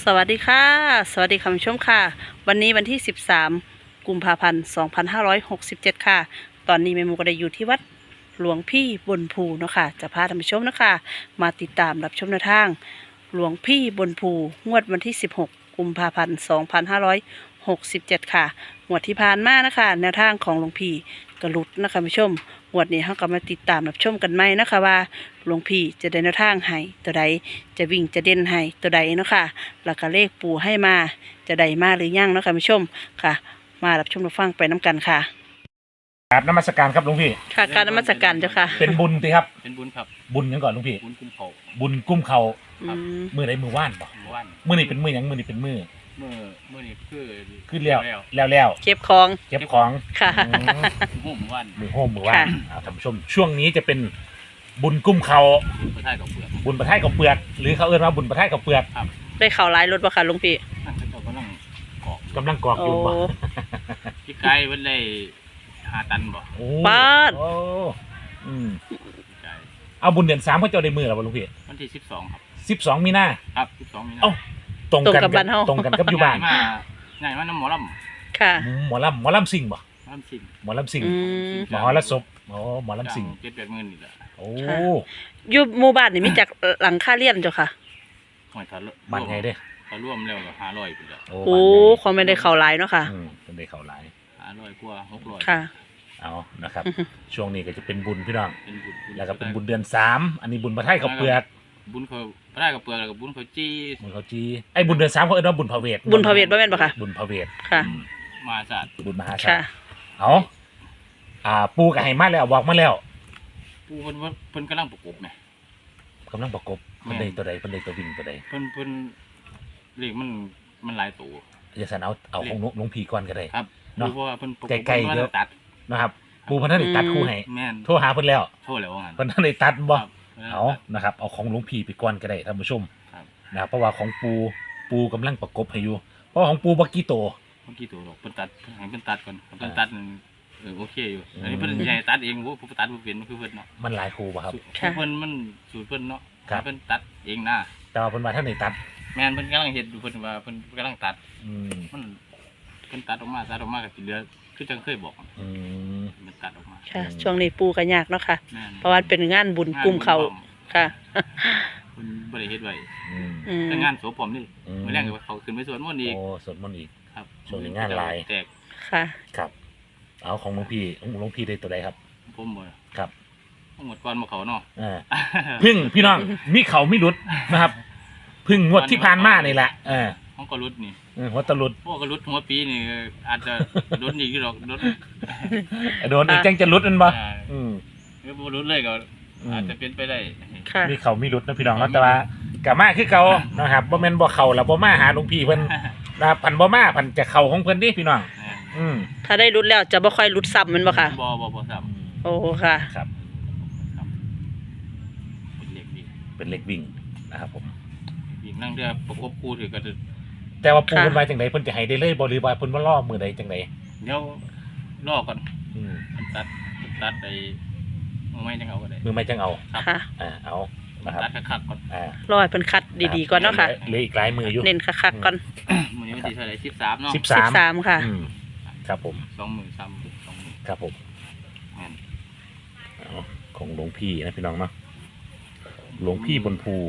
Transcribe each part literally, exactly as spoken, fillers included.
สวัสดีค่ะสวัสดีคุณผู้ชมค่ะวันนี้วันที่สิบสามกุมภาพันธ์สองพันห้าร้อยหกสิบเจ็ดค่ะตอนนี้แม่หมูก็ได้อยู่ที่วัดหลวงพี่บนภูเนาะค่ะจะพาท่านผู้ชมนะคะมาติดตามรับชมแนวทางหลวงพี่บนภูงวดวันที่สิบหกกุมภาพันธ์สองพันห้าร้อยหกสิบเจ็ดค่ะงวดที่ผ่านมานะคะแนวทางของหลวงพี่กระลุดนะคะผู้ชมงวดนี้เราก็มาติดตามรับชมกันไหมนะคะว่าหลวงพี่จะได้แนวทางให้ตัวใดจะวิ่งจะเด่นให้ตัวใดเนาะค่ะแล้วก็เลขปู่ให้มาจะได้มาหรือยังเนาะค่ะผู้ชมค่ะ มารับชมรับฟังไปน้ำกันค่ะครับนมัสการครับหลวงพี่ค่ะการนมัสการเจ้าค่ะเป็นบุญสิครับเป็นบุญครับบุญยังก่อนหลวงพี่บุญกุมเขาบุญกุ้มเขาอืมมือใดมือว่านบ่เมื่อวันมือนี่เป็นมือหยังมือนี่เป็นมือเมื่อเมื่อนี้คือขึ้นแล้วแล้วแล้วแล้วเก็บของเก็บของค่ะอืมหุ่มวันมือโฮมมือว่านค่ะอ่าท่านผู้ชมช่วงนี้จะเป็นบุญกุ้มเขาบุญพระธาตุกับเปลือกบุญประท้ายกับเปลือกหรือเขาเอิ้นว่าบุญประท้ายกับเปลือกได้ข่าวร้ายรถบ่ค่ะหลุงพี่นั่นเขาก็นั่งกอกกำลังกรอกโอ้อยู่บ่พี่ไก่วันได้ห้าตันบ่โอ้ปาดโอ้อืมพี่ไก่เอาบุญเดือนสามเขาเจ้าได้มือแล้วบ่หลวงพี่วันที่สิบสองครับสิบสองมีนาครับสิบสองมีนาเอ้า ตรงตรงกันกับบ้านเฮาตรงกันกับอยู่บ้านง่ายมาง่ายมาน้ำหมอลค่ะหมอลำหมอลำสิงบ่ำลำสิงหมอลำสิงอืมหมอละศพอ๋อหมอลำสิงเจ็ดแปดหมื่นนี่แหละโอ้ค่ะ อยู่หมู่บ้านนี่มีจักหลังค่าเรียนเจ้าค่ะหอยทะลุบ้านไงเด้ถ้าร่วมแล้วก็ห้าร้อยไปเลยโอ้โอ้บ้านไงเขาไม่ได้ข่าวร้ายเนาะค่ะอืมเป็นได้เข้าหลายห้าร้อยกว่าหกร้อยค่ะเอานะครับ ช่วงนี้ก็จะเป็นบุญพี่น้องเป็นบุญแล้วก็เป็นบุญเดือนสามอันนี้บุญพระไทยกับเปลือกบุญเขาพระธาตุกับเปลือกแล้วก็บุญเขาจี้บุญเขาจีไอ้ยบุญเดือนสามเขาเอิ้นว่าบุญพระเวทบุญพระเวทบ่แม่นบ่คะบุญพระเวทค่ะอืมมาศาสตร์บุญมหาศาค่ะลเอาอ่าปูกับไห้มาแล้วบอกมาแล้วผู้เพิ่นว่าเพิ่นกำลังประกบไงกำลังประกบแม่เพิ่นได้ตัวใดเพิ่นได้ตัววิ่งตัวใดเพิ่นเพิ่นเรียกมันมันหลายตัวจะสันเอาเอาของหลวงหลวงพี่ก่อนก็ได้ครับเนาะเพราะว่าเพิ่นประกบไกลๆพิ่นว่าเดี๋ยวตัดนะครับ ปูเพิ่นท่านได้ตัดคู่ให้แม่นโทรหาเพิ่นแล้วโทษแล้วว่างั้นเพิ่นท่านได้ตัดบ่ครับเอานะครับ เอาของหลวงพี่ไปก่อนก็ได้ท่านผู้ชมครับนะครับเพราะว่าของปูปูกำลังประกบให้อยู่ เพราะว่าของปูบักกี้โตเมื่อกี้ตัวดอกเพิ่นตัดให้เพิ่นตัดก่อนเพิ่นอ่าตัดนั่นเออโอเคอยู่ อันนี้เพิ่นอืมใหญ่ตัดเองโอ้ผู้ตัดบ่เป็นคือเพิ่นเนาะมันหลายครูป่ะครับสูตรค่ะเพิ่นมันสูตรเพิ่นเนาะครับเพิ่นตัดเองนะแต่ว่าเพิ่นว่าท่านได้ตัดแม่นเพิ่นกำลังเฮ็ดอยู่เพิ่นว่าเพิ่นกำลังตัดอืมมันเพิ่นตัดออกมาตัดออกมาก็สิเหลือคือจังเคยบอกอืมเพิ่นตัดออกมาค่ะ ช่วงนี้ปูก็ยากเนาะค่ะแม่นเพราะว่าเป็นงานบุญกลุ่มเขาค่ะเพิ่นบ่ได้เฮ็ดไว้อืมอืมแต่งานศพผมนี่อืมมื้อแรกก็เขาขึ้นไปสวดมนต์อีกโอ้สวดมนต์อีกครับช่วงนี้งานหลายแตกค่ะครับ เอาของหลวงพี่ของหลวงพี่ได้ตัวใดครับผมบ่ครับทั้งหมดก่อนบ่เขาเนาะอ่าพึ่งพี่น้องมีเขามีรุดนะครับพึ่งงวดที่ผ่านมานี่แหละเออห้องก็รุดนี่เออหัวตะลุดพวกก็รุดหัวปีนี่อาจจะรุดอีกอยู่ดอกรุดโดนอีกจังจะรุดนั่นบ่อ่าอืมหรือบ่รุดเลยก็อืมอาจจะเป็นไปได้ค่ะมีเขามีรุดนะพี่น้องเนาะแต่ว่ากะมาคือเขานะครับบ่แม่นบ่เข้าแล้วบ่มาหาหลวงพี่เพิ่นนะครับพันบ่มาพันจะเข้าของเพิ่นดิพี่น้อง อืมถ้าได้รุดแล้วจะบ่ค่อยรุดซ้ำแมันบ่ค่ะบ่บ่บ่ซ้โอ้ค่ะครับำครับเป็นเล็กดีเป็นเล็กวิ่งนะครับผมอีกนั่งเรือประกบคู่ถือก็จะแต่ว่าปูค่ะเพิ่นว่าจังไดเพิ่นจะให้ได้เลยบ่หรือว่าเพิ่นบ่รอมื้อใดจังไดเดี๋ยวรอก่อนอืมมันตัดมันตัดไปมือไม่จังเอาก็ได้มือไม่จังเอาครับค่ะอ่าเอามันะนครับตัดคักๆก่อนอ่ารอให้เพิ่นคัดดีๆก่อนเนาะค่ะเหลืออีกหลายมืออยู่เน้นคักๆก่อนมื้อนี้วันที่เท่าไหร่สิบสามเนาะสิบสิสาบมสามค่ะอืมครับผมสองหมื่นสามหมื่นสองหมื่นครับผมแม่นเอาของหลวงพี่นะพี่น้องเนาะหลวงพี่บนภู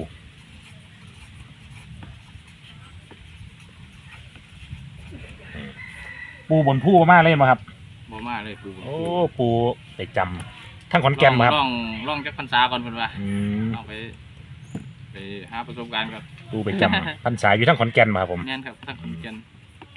อืมปูบนภูมาเล่นมาครับบ่มาเลยปูโอ้ปูไปจำทั้งขอนแก่นมาครับลองลองจักพรรษาก่อนเพิ่นว่าอืมเอาไปไปหาประสบการณ์ก่อนปูไปจำพรรษาอยู่ทั้งขอนแก่นมาครับผมแม่นครับทั้งคนเกียน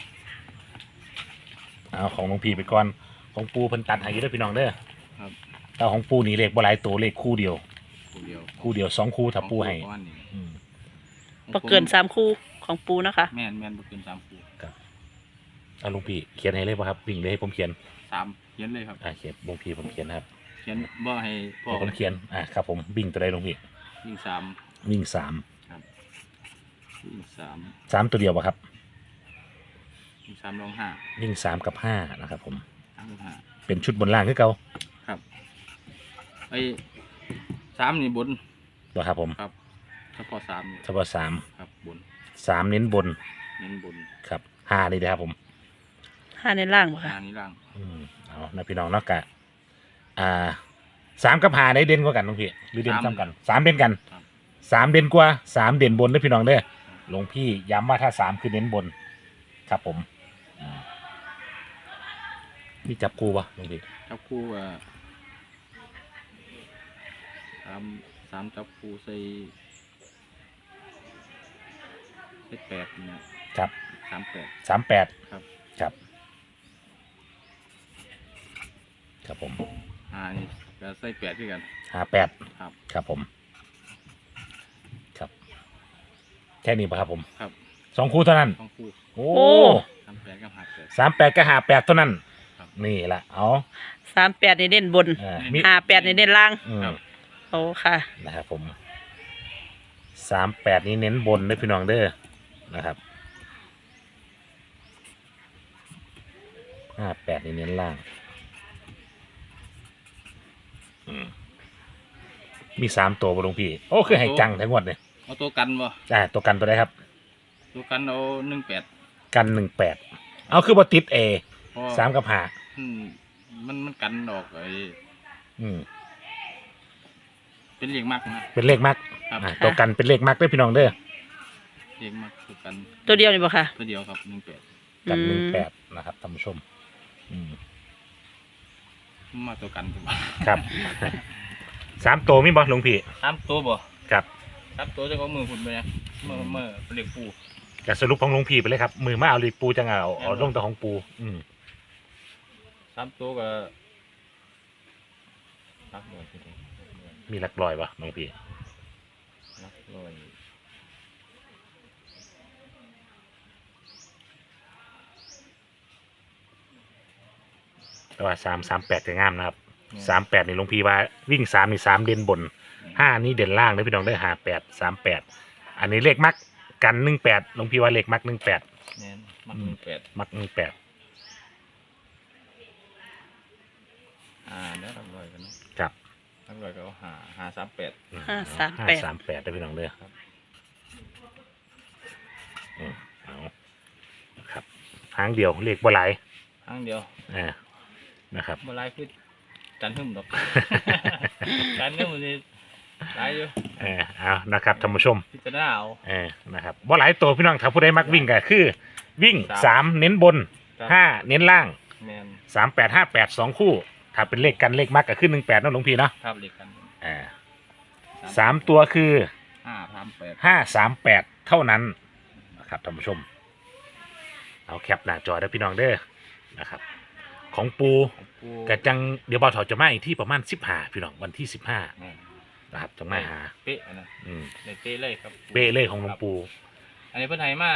เอาของหลวงพี่ไปก่อนของปูเพิ่นตัดให้อยู่เด้อพี่น้องเด้อครับแต่ของปูนี่เลขบ่หลายตัวเลขคู่เดียวคู่เดียวคู่เดียวสองคู่ถ้าปูให้ประมาณนี้อืมบ่เกินสามคู่ของปูนะคะแม่นแม่นบ่เกินสามคู่เอาหลวงพี่เขียนให้เลยป่ะครับวิ่งเลยให้ผมเขียนสามเขียนเลยครับอ่าเขียนหลวงพี่ผมเขียนนะครับเขียนบ่ให้พ่อให้ผมเขียนอ่าครับผมวิ่งตัวใดหลวงพี่วิ่งสามวิ่งสามวิ่งสามสามตัวเดียวป่ะครับวิ่งสามลองห้าวิ่งสามกับห้านะครับผมสามลองห้าเป็นชุดบนล่างคือเก่าครับไอ้สามนี่บนตัวครับผมครับเฉพาะสามนี่เฉพาะสามครับบนสามเน้นบนเน้นบนครับห้านี่นะครับผมห้าในล่างบ่ค่ะหานี้ล่างอืมเอานะพี่น้องเนาะกะอ่าสามกับห้าได้เด่นกว่ากันน้องพี่หรือเด่นซ้ำกันสามเด่นกันสามเด่นกว่าสามเด่นบนเด้อพี่น้องเด้อหลวงพี่ย้ำว่าถ้าสามคือเน้นบนครับผมอืมนี่จับคู่ปะหลวงพี่จับคู่อ่ะสามสามจับคู่ใส่ใส่แปดเนี่ยครับสามแปดสามแปดครับครับครับผมหานี่ก็ใส่แปดด้วยกันห้าแปดครับครับผมครับแค่นี้ปะครับผมครับสองคู่เท่านั้นต้องคู่โอ้สามแปดกับหาแปดสามแปดก็ห้าแปดเท่านั้นครับนี่แหละเอาสามแปดในเด่นบนอ่ามีห้าแปดในเด่นล่างอืมครับโอ้ค่ะนะครับผมสามแปดนี้เน้นบนเด้อพี่น้องเด้อนะครับห้าแปดนี้เน้นล่างอืมมีสามตัวบหลวงพี่โอ้คือให้จังทั้งหมดเลยเอาตัวกันบ่อ่าตัวกันตัวได้ครับตัวกันเอาหนึ่งแปดกันหนึ่งแปดเอาคือบติดเอเพราะสามกับห้าอืมมันมันกันออกไอ้อืมเป็นเลียงมากนะเป็นเลขมักครับอ่าตัวกันเป็นเลขมักเด้อพี่น้องเด้อเลียงมากตัวกันตัวเดียวนี่บ่ค่ะตัวเดียวครับหนึ่งแปดกันอืมหนึ่งแปดนะครับท่านผู้ชม อืมมาตัวกันถูกไหมครับสามตัวมีบอหลวงพี่สามตัวบ่ครับสามตัวจะเอามือหุ่นไปนะมือมือเป็นเหล็กปูจะสรุปของหลวงพี่ไปเลยครับ มือมาเอาลีปูจังเอาเอาแม่นบ่ลงตัวของปู อืมสามตัวก็รักเลยทีเดียวมีหลักลอยปะหลวงพี่รักเลยแต่ว่าสามสามแปดจะงามนะครับสามแปดในหลวงพี่ว่าวิ่งสามนี่สามเด่นบนห้านี่เด่นล่างเลยพี่น้องได้หาแปดสามแปดอันนี้เลขมักกันหนึ่งแปดหลวงพี่ว่าเลขมักหนึ่งแปดแน่นมักหนึ่งแปดมักหนึ่งแปดอ่าแล้วรักเลยกันเนาะครับรักเลยก็เอาหาหาสามแปดห้าสามแปดห้าสามแปดได้พี่น้องเด้อครับอืมเอาครับหางเดียวเลขบ่หลายครั้งเดียวอ่านะครับเมื่อไรคือจันหึ่มดอก จันหึ่มมันนี่หลายอยู่เออเอานะครับท่านผู้ชมพิจารณาเอาเออนะครับบ่หลายตัวพี่น้องถ้าผู้ใดมักวิ่งก็คือ วิ่งสามสามเน้นบนครับห้าเน้นล่างแมนสามแปดห้าแปดสองคู่ ถ้าเป็นเลขกันเลขมักก็ขึ้นหนึ่งแปดนะหลวงพี่เนาะครับเหล็กกันอ่าสามตัวคือห้าสามแปดห้าสามแปดเท่านั้นนะครับท่านผู้ชม เอาแคปหน้าจอได้อพี่น้องเด้อนะครับ ของปูปูกระจังเดี๋ยวบ่าวถอจะมาอีกที่ประมาณสิบห้าพี่น้องวันที่สิบห้าแม่นนะครับจะมาหาเป๊ะอันนะอืมในเป๊ะเลยครับเบ้เล่ของหลวงปูอันนี้เพิ่นให้มา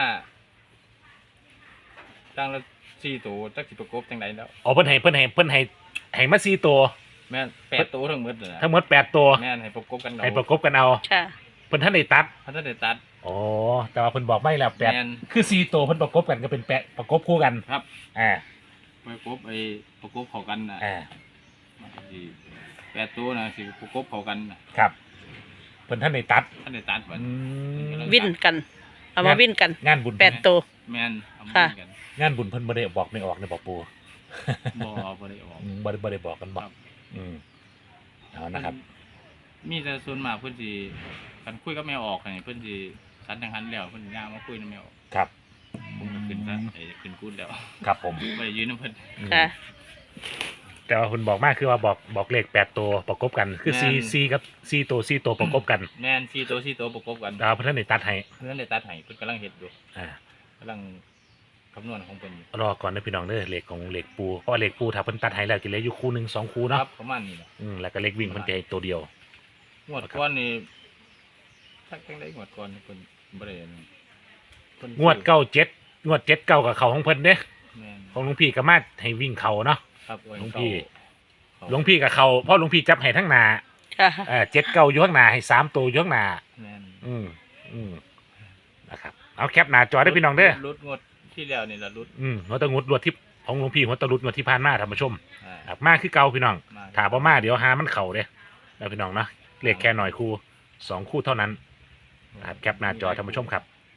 ตั้งละสี่ตัวจักสิประกบจังไดแล้วอ๋อเพิ่นให้เพิ่นให้เพิ่นให้ให้มาสี่ตัวแม่นแปดตัวทั้งหมดเลยนะทั้งหมดแปดตัวแม่นให้ประกบกันเอาให้ประกบกันเอาค่ะเพิ่นท่านได้ตัดพันธะได้ตัดอ๋อแต่ว่าเพิ่นบอกไม่แล้วแปดแม่นคือสี่ตัวเพิ่นประกบกันก็เป็นแปดประกบคู่กันครับอ่าประกบไอ้ประกบเข้ากันน่ะอ่าสิแปดตัวน่ะสิประกบเข้ากันน่ะครับเพิ่นท่านได้ตัดท่านได้ตัดบัดอืมวิ่นกัน เอามาวิ่นกันงานบุญแปดตัวแม่นเอามาค่ะกันงานบุญเพิ่นบ่ได้บอกไม่ออกในบอกปูบ่บ่ได้ออกอืมบ่ได้บ่ได้บอกกันบอคกรับอืมเอานะครับมีแต่ส่วนมากเพิ่นสิกันคุยกับแม่ออกนี่เพิ่นสิสันทางหันแล้วเพิ่นย่างมาคุยนำแม่ออกครับผมก็ขึ้นซะไอ้ขึ้นกูดแล้วครับผมบ่ได้ยืนนำเพิ่นอืมค่ะแต่ว่าคุณบอกมากคือว่าบอกบอกเลขแปดตัวประกบกัน คือซีซีกับซีตัวซีตัวประกบกันแม่นสี่ตัวสี่ตัวประกบกันดาวเพิ่นได้ตัดให้เพิ่นได้ตัดให้เพิ่นกำลังเฮ็ดอยู่อ่ากำลังคำนวณของเพิ่นอยู่รอก่อนนะพี่น้องเด้อเลขของเลขปูเพราะว่าเลขปูถ้าเพิ่นตัดให้แล้วกินเหลยอยู่คู่หนึ่งสองคู่คเนาะรับประมาณนี้ล่ะอืมแล้วก็เลขวิ่งเพิ่นจะให้ตัวเดียวงวดก่อนนี่ทักจังได๋งวดก่อนนี่เพิ่นบ่ได้อันนั้นเพิ่นงวดเก้าเจ็ดงวดเจ็ดเก้ากับเขาของเพิ่นเด้แม่นของหลวงพี่ก็มาให้วิ่งเขาเนาะครับโอ้ยหลวงพี่เข้าหลวงพี่กับเขาเพราะหลวงพี่จับให้ทั้งหนาค่ะเออเจ็ดเก้าอยู่ข้างหน้าให้สามตัวอยู่ข้างหน้าแม่นอืมอืมนะครับเอาแคปหน้าจอได้อพี่น้องเด้อรุดงวดที่แล้วนี่ล่ะรุดอืมหัวตะงุดรวดที่ของหลวงพี่หัวตะรุดงวดที่ผ่านมาท่านผู้ชมอ่าครับมาคือเก่าพี่น้องมาถามว่ามาเดี๋ยวหามันเข่าเด้แล้วพี่น้องเนาะเลขแค่หน่อยคู่สองคู่เท่านั้นนะครับแคปหน้าจอท่านผู้ชมครับ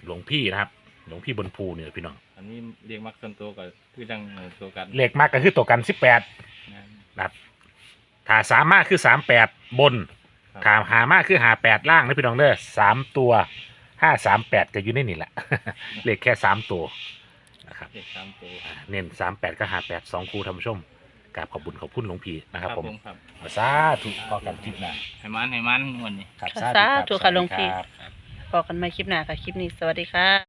หลวงพี่นะครับ หลวงพี่บนภูเนี่ยพี่น้องอันนี้เรียกมักส่วนตัวก็คือจังเอ่อตัวกันเลขมากก็คือตัวกันสิบแปดงานนะครับถ้าสามมากคือสามแปดบนครับถ้าหามากคือหาแปดล่างนะพี่น้องเด้อสามตัวห้าสามแปดก็อยู่ในนี่แหละ เลขแค่สามตัวนะครับเลขสามตัวอ่าเน้นสามแปดก็หาแปดสองคู่ท่านผู้ชมกราบขอบบุญขอบคุณหลวงพี่นะครับผมครับสาธุพอกันคลิปหน้าให้มันให้มันวันนี้ครับสาธุค่ะหลวงพี่ครับบอกกันใหม่คลิปหน้าค่ะ คลิปนี้สวัสดีค่ะ